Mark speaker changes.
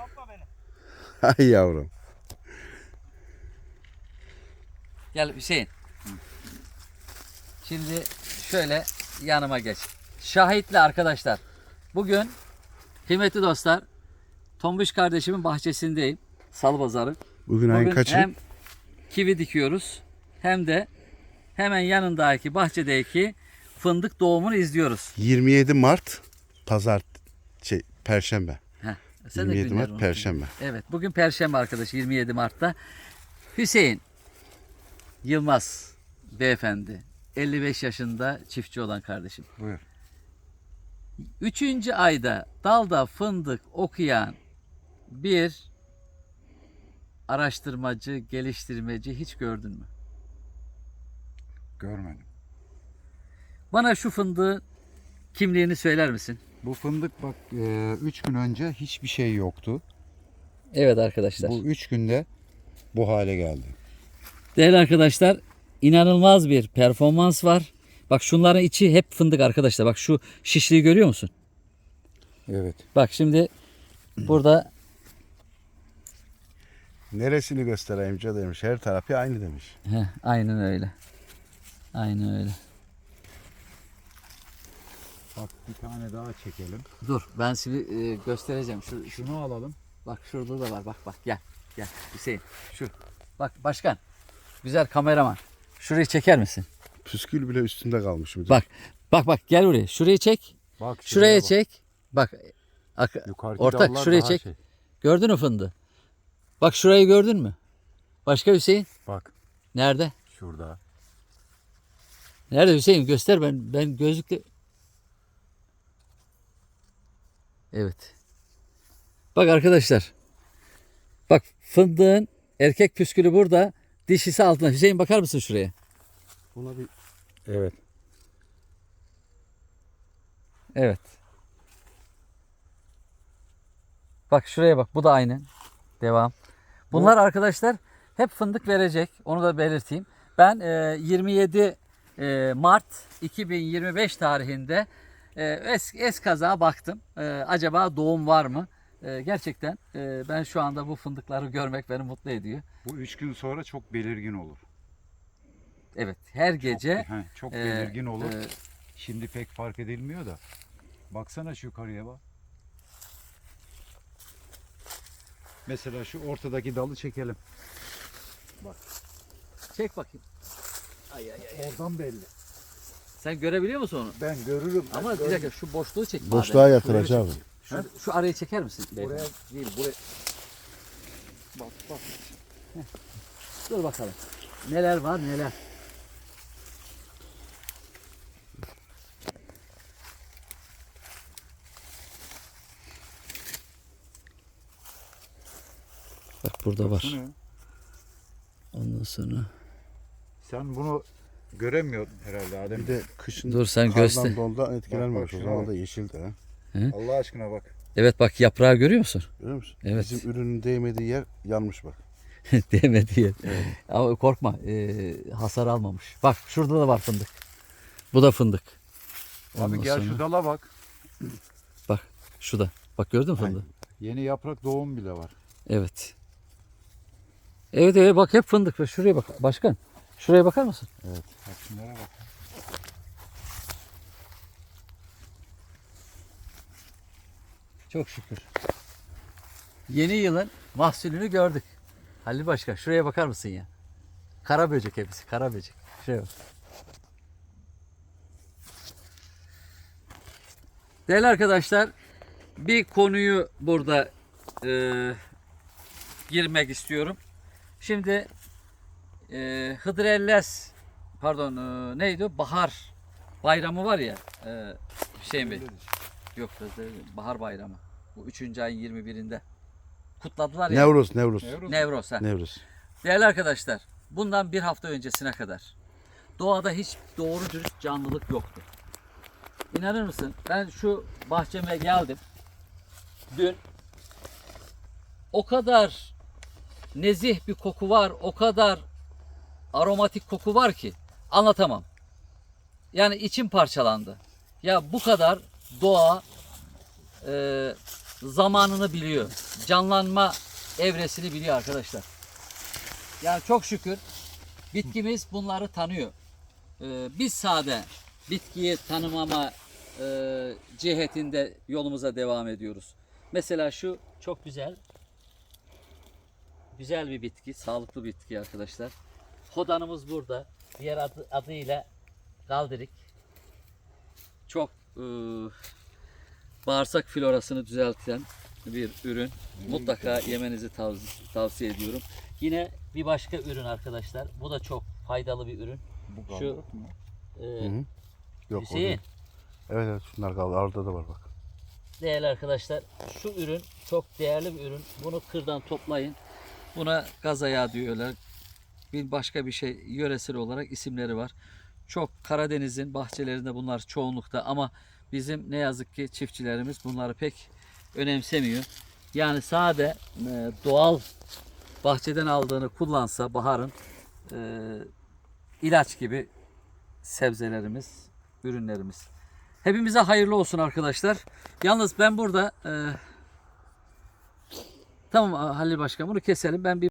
Speaker 1: Ay yavrum.
Speaker 2: Gel Hüseyin. Şimdi şöyle yanıma geç. Şahitli arkadaşlar. Bugün kıymetli dostlar Tombiş kardeşimin bahçesindeyim. Salı pazarı.
Speaker 1: Bugün ayın
Speaker 2: Bugün
Speaker 1: kaçı?
Speaker 2: hem kivi dikiyoruz hem de hemen yanındaki bahçedeki fındık doğumunu izliyoruz.
Speaker 1: 27 Mart Pazar Perşembe.
Speaker 2: Heh, sen de
Speaker 1: 27
Speaker 2: günleri
Speaker 1: Mart
Speaker 2: unut.
Speaker 1: Perşembe.
Speaker 2: Evet, bugün Perşembe arkadaş 27 Mart'ta. Hüseyin Yılmaz beyefendi 55 yaşında çiftçi olan kardeşim.
Speaker 3: Buyur.
Speaker 2: 3. ayda dalda fındık okuyan bir araştırmacı, geliştirmeci hiç gördün mü?
Speaker 3: Görmedim.
Speaker 2: Bana şu fındığın kimliğini söyler misin?
Speaker 3: Bu fındık bak 3 gün önce hiçbir şey yoktu.
Speaker 2: Evet arkadaşlar.
Speaker 3: Bu 3 günde bu hale geldi.
Speaker 2: Değerli arkadaşlar, inanılmaz bir performans var. Bak şunların içi hep fındık arkadaşlar. Bak şu şişliği görüyor musun?
Speaker 3: Evet.
Speaker 2: Bak şimdi burada
Speaker 1: Neresini göstereyim demiş. Her tarafı aynı demiş.
Speaker 2: aynen öyle. Aynen öyle.
Speaker 3: Bak bir tane daha çekelim.
Speaker 2: Dur ben size göstereceğim.
Speaker 3: Şunu alalım.
Speaker 2: Bak şurada da var. Bak gel. Gel Hüseyin. Şu. Bak başkan. Güzel kameraman. Şurayı çeker misin?
Speaker 1: Püskül bile üstünde kalmış. Müdür.
Speaker 2: Bak gel buraya. Şurayı çek.
Speaker 3: Bak
Speaker 2: Şuraya
Speaker 3: bak.
Speaker 2: çek. Bak.
Speaker 3: Yukarıdaki
Speaker 2: Ortak
Speaker 3: dallar
Speaker 2: şuraya
Speaker 3: daha
Speaker 2: çek.
Speaker 3: şey.
Speaker 2: Gördün mü fındığı? Bak şurayı gördün mü? Başka Hüseyin?
Speaker 3: Bak
Speaker 2: Nerede?
Speaker 3: şurada.
Speaker 2: Nerede Hüseyin? Göster ben gözlükle. Evet. Bak arkadaşlar. Bak fındığın erkek püskülü burada. Dişisi altında. Hüseyin bakar mısın şuraya?
Speaker 1: Buna bir
Speaker 3: Evet.
Speaker 2: Evet. Bak şuraya bak. Bu da aynı. Devam. Bunlar arkadaşlar hep fındık verecek. Onu da belirteyim. Ben 27 Mart 2025 tarihinde eskaza baktım. Acaba doğum var mı? Gerçekten ben şu anda bu fındıkları görmek beni mutlu ediyor.
Speaker 3: Bu 3 gün sonra çok belirgin olur.
Speaker 2: Evet. Her gece
Speaker 3: Çok
Speaker 2: e,
Speaker 3: belirgin olur.
Speaker 2: e,
Speaker 3: Şimdi pek fark edilmiyor da. Baksana şu yukarıya bak. Mesela şu ortadaki dalı çekelim.
Speaker 2: çek bakayım.
Speaker 3: Oradan belli.
Speaker 2: Sen görebiliyor musun onu?
Speaker 3: Ben görürüm.
Speaker 2: Ama bir dakika şu boşluğu çek.
Speaker 1: boşluğa yatıracağım.
Speaker 2: Şu arayı çeker misin?
Speaker 3: Buraya değil, buraya. Bak.
Speaker 2: Dur bakalım. Neler var neler. Bak burada var.
Speaker 3: Baksana.
Speaker 2: Ondan sonra.
Speaker 3: Sen bunu göremiyordun herhalde Adem.
Speaker 1: Bir de kışın
Speaker 2: Dur sen
Speaker 1: kardan
Speaker 2: göster.
Speaker 1: dondan etkilenmemiş.
Speaker 3: Bak,
Speaker 1: O
Speaker 3: şuna
Speaker 1: zaman
Speaker 3: bak.
Speaker 1: da yeşildi ha.
Speaker 3: Allah aşkına bak.
Speaker 2: Evet bak yaprağı görüyor musun?
Speaker 1: Görüyor musun?
Speaker 2: Evet.
Speaker 1: Bizim ürünün değmediği yer yanmış bak.
Speaker 2: Değmedi diye. Ama korkma hasar almamış. Bak şurada da var fındık. Bu da fındık.
Speaker 3: Abi
Speaker 2: Ondan
Speaker 3: gel
Speaker 2: sonra-
Speaker 3: şu dala bak.
Speaker 2: Bak şu da. Bak gördün mü fındığı?
Speaker 3: Yeni yaprak doğum bile var.
Speaker 2: Evet. Evet bak hep fındık. Ve şuraya bak başkan. Şuraya bakar mısın?
Speaker 3: Evet. Bak şunlara bak.
Speaker 2: Çok şükür. Yeni yılın mahsulünü gördük. Halil Başkan şuraya bakar mısın ya? Kara böcek hepsi. Kara böcek. Şuraya bak. Değerli arkadaşlar bir konuyu burada girmek istiyorum. Şimdi Hıdrellez pardon neydi o? Bahar bayramı var ya Hüseyin Bey. Yok bahar bayramı. Bu 3. ayın 21'inde. Kutladılar ya.
Speaker 1: Nevruz.
Speaker 2: Nevroz. Ha.
Speaker 1: Nevruz.
Speaker 2: Değerli arkadaşlar bundan bir hafta öncesine kadar doğada hiç doğru dürüst canlılık yoktu. İnanır mısın? Ben şu bahçeme geldim. Dün o kadar nezih bir koku var, o kadar aromatik koku var ki anlatamam. Yani içim parçalandı. Ya bu kadar doğa zamanını biliyor. Canlanma evresini biliyor arkadaşlar. Yani çok şükür bitkimiz bunları tanıyor. Biz sade bitkiyi tanımama cihetinde yolumuza devam ediyoruz. Mesela şu çok güzel. Güzel bir bitki, sağlıklı bir bitki arkadaşlar. Hodanımız burada. Diğer adıyla galdirik. Çok bağırsak florasını düzelten bir ürün. Mutlaka yemenizi tavsiye ediyorum. Yine bir başka ürün arkadaşlar. Bu da çok faydalı bir ürün.
Speaker 3: Bu
Speaker 2: Şu
Speaker 3: galdırık mı?
Speaker 1: Yok, o
Speaker 2: Hüseyin.
Speaker 1: değil. Evet evet, şunlar kaldı. Orada da var bak.
Speaker 2: Değerli arkadaşlar, şu ürün çok değerli bir ürün. Bunu kırdan toplayın. Buna gaza yağı diyorlar. Bir başka bir şey yöresel olarak isimleri var. Çok Karadeniz'in bahçelerinde bunlar çoğunlukta ama bizim ne yazık ki çiftçilerimiz bunları pek önemsemiyor. Yani sade doğal bahçeden aldığını kullansa baharın ilaç gibi sebzelerimiz, ürünlerimiz. Hepimize hayırlı olsun arkadaşlar. Yalnız ben burada tamam Halil Başkan, bunu keselim. Ben bir